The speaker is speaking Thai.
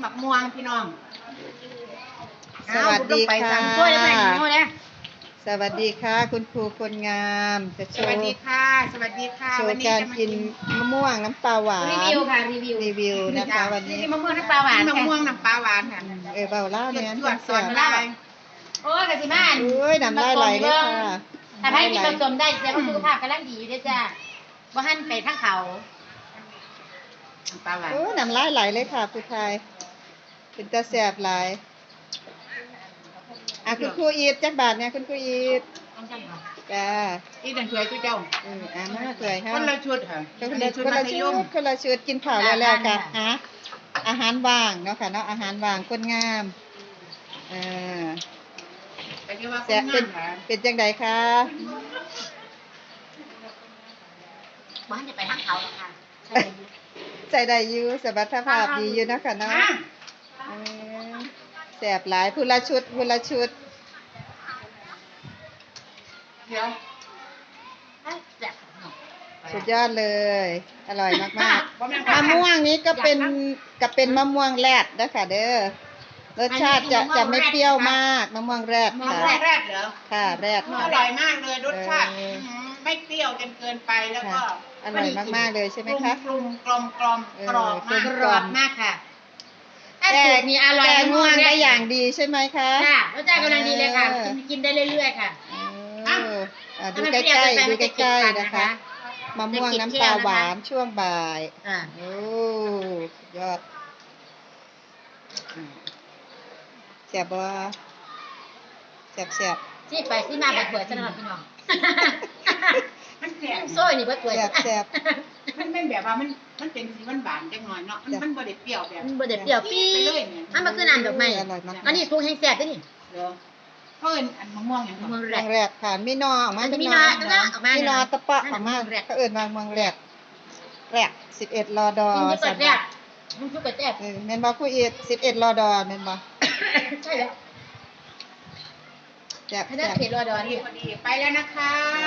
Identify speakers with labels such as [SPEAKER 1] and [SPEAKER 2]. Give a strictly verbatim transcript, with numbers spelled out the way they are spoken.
[SPEAKER 1] หมักม่วงพี่น้อง
[SPEAKER 2] สวัสดีค่ะ
[SPEAKER 1] ช่วยได้ไหมโน่เนี่ย
[SPEAKER 2] สวัสดีค่ะคุณครูคนงามจะโช
[SPEAKER 1] สวัส
[SPEAKER 2] ว์
[SPEAKER 1] ดีค่ะ สวัสดีค่ะ
[SPEAKER 2] โช
[SPEAKER 1] วัน
[SPEAKER 2] ว์
[SPEAKER 1] นี้
[SPEAKER 2] การ
[SPEAKER 1] จะมา
[SPEAKER 2] กินมะม่วงน้ำปลาหวาน
[SPEAKER 3] รีวิวค่ะรีวิว
[SPEAKER 2] รีวิวนะคะวันนี้
[SPEAKER 1] นี่มะม่วงน้ำปลาหวานมะม่วงน้ำปลาหวานค่ะ
[SPEAKER 2] เออเบาเล่าเนี่ย
[SPEAKER 1] จวดๆสอนได้
[SPEAKER 3] โอ้ยกะสิมา
[SPEAKER 2] โอ้ยน้ำลายไหลเลยค่ะ
[SPEAKER 3] ถ้าให้กินผสมได้แสดงว่าสุขภาพกำลังดีอยู่เด้อจ้าบ่หันไปทางเขา
[SPEAKER 1] น้ำปลาหวาน
[SPEAKER 2] โอ้ยน้ำลายไหลเลยค่ะผู้ชายเป็นตาแสบหลายอ่ะคุณครูอีทจักบาทเนี่ยคุณครูอีท
[SPEAKER 3] ต้องจังค่ะ
[SPEAKER 2] จ้า
[SPEAKER 1] ที่ดันช่วยทุกเจ้า
[SPEAKER 2] เอออ่ะมาเลยค่ะ
[SPEAKER 1] คนละชุดค่ะ
[SPEAKER 2] คนละคนละชุดคนละชุดกินข้าวแล้วแล้วกันฮะอาหารว่างเนาะค่ะเนาะอาหารว่างคนงามเออ
[SPEAKER 1] แต่ที่ว่าค
[SPEAKER 2] แซ่
[SPEAKER 1] น
[SPEAKER 2] บเป็
[SPEAKER 1] งาน มค่ะ
[SPEAKER 2] เป็นจังใดคะ
[SPEAKER 3] บ่หันจะไปทางเขาหรอกค่ะ
[SPEAKER 2] ใจได้อยู่สมรรถภาพดีอยู่เนาะค่ะเนาะเออแซ่บหลายผู้ละชุดผู้ละชุด
[SPEAKER 1] เดี๋ยว
[SPEAKER 3] แซ่บเนาะ
[SPEAKER 2] สุดยอดเลย อร่อยมาก
[SPEAKER 1] บ่แม่น
[SPEAKER 2] ๆมะม่วงนี้ก็เป็นก็เป็นมะม่วงแรดเด้อค่ะเด้อรสชาติจะจะไม่เปรี้ยวมากมะม่วงแรด
[SPEAKER 1] มะ
[SPEAKER 2] ค่ะ
[SPEAKER 1] ม่วงแรกเหรอ
[SPEAKER 2] ค่ะแรด
[SPEAKER 1] อ
[SPEAKER 2] ค่ะ
[SPEAKER 1] ร่อยมากเลยรสชาติ
[SPEAKER 2] เออ
[SPEAKER 1] หือไม่เปรี้ยวจนเกินไปแล้วก็
[SPEAKER 2] อร่อยมากๆเลยใช่ไหมคะ
[SPEAKER 1] กลมกลมกลม
[SPEAKER 2] เออ
[SPEAKER 1] กรอบมาก
[SPEAKER 2] กลม
[SPEAKER 3] กรอบมากค่ะถ้า
[SPEAKER 2] แก
[SPEAKER 3] สูตรนี้อร่อย
[SPEAKER 2] แกง่วงได้
[SPEAKER 3] มก
[SPEAKER 2] อย่างดีใช่ไหมคะ
[SPEAKER 3] ค่ะรสชาติกำลังดีเลยค่ะ
[SPEAKER 2] เออ
[SPEAKER 3] กินกินได้เรื่อยๆค่ะ
[SPEAKER 2] เอออ่ะดู
[SPEAKER 3] ถ้ามัน
[SPEAKER 2] ใก
[SPEAKER 3] เปรี้ยว
[SPEAKER 2] ล้
[SPEAKER 3] เกินไป
[SPEAKER 2] ๆดู
[SPEAKER 3] มันจะ
[SPEAKER 2] ใกล้
[SPEAKER 3] เก็บ
[SPEAKER 2] ๆ
[SPEAKER 3] ฟัน
[SPEAKER 2] นะ
[SPEAKER 3] นะคะ คะ
[SPEAKER 2] มะม่วงน้ำปลาหวานช่วงบ่าย
[SPEAKER 3] อ่า
[SPEAKER 2] โอ้สุดยอดอืมแซ่บบ่แซ่บแซ่บ
[SPEAKER 3] ที่ไปที่มาแบบเปิดสนับพี่น้อง
[SPEAKER 1] มันแสบ
[SPEAKER 3] โซ่นี่เปิดเปิด
[SPEAKER 2] แซ่บแซ่บ
[SPEAKER 1] มันเป็นแบบว่ามันมันเป็นสีหวานๆจังหน่อยเนาะมัน
[SPEAKER 2] จ้ะ
[SPEAKER 1] มันบ่ได้เปรี้ยวแบบ
[SPEAKER 3] มันบ่ได้เปรี้ยวปี๊
[SPEAKER 1] ไปเลย
[SPEAKER 3] ด
[SPEAKER 1] เนี่ย
[SPEAKER 3] อันมันคือน้ำดอกไม้
[SPEAKER 2] อร่อยมาก
[SPEAKER 3] อันนี้สูงแห้งแซ่บเด้อนี่
[SPEAKER 1] เหรอเพราะเอิ้นอันมะม่วงอย่าง
[SPEAKER 3] เมื
[SPEAKER 1] ก่อ
[SPEAKER 3] อง
[SPEAKER 1] น
[SPEAKER 3] แร
[SPEAKER 2] เมือก งแรดค่ะมีนอออกมา
[SPEAKER 3] มันจะ
[SPEAKER 2] เป็น
[SPEAKER 3] มี
[SPEAKER 2] น
[SPEAKER 3] น
[SPEAKER 2] อ
[SPEAKER 3] อตะออกมา
[SPEAKER 2] มีนอตะเปาะออกมา
[SPEAKER 3] เมืองแรก
[SPEAKER 2] เขาเอิ้นว่าเมืองแรดแรดสิบเอ็ดรอดอ
[SPEAKER 3] กินที่เปิดแรกมันคือเปิดแรก
[SPEAKER 2] เออแม่นบ่ครูอีทสิบเอ็ดรอดอแม่นบ่
[SPEAKER 3] ใช่แล้ว
[SPEAKER 2] แซ่บ
[SPEAKER 3] ถ้าได้
[SPEAKER 2] แซ่บ
[SPEAKER 3] เผ็ดรอดอ
[SPEAKER 1] พอดี
[SPEAKER 3] นี่
[SPEAKER 1] พอดีไปแล้วนะคะ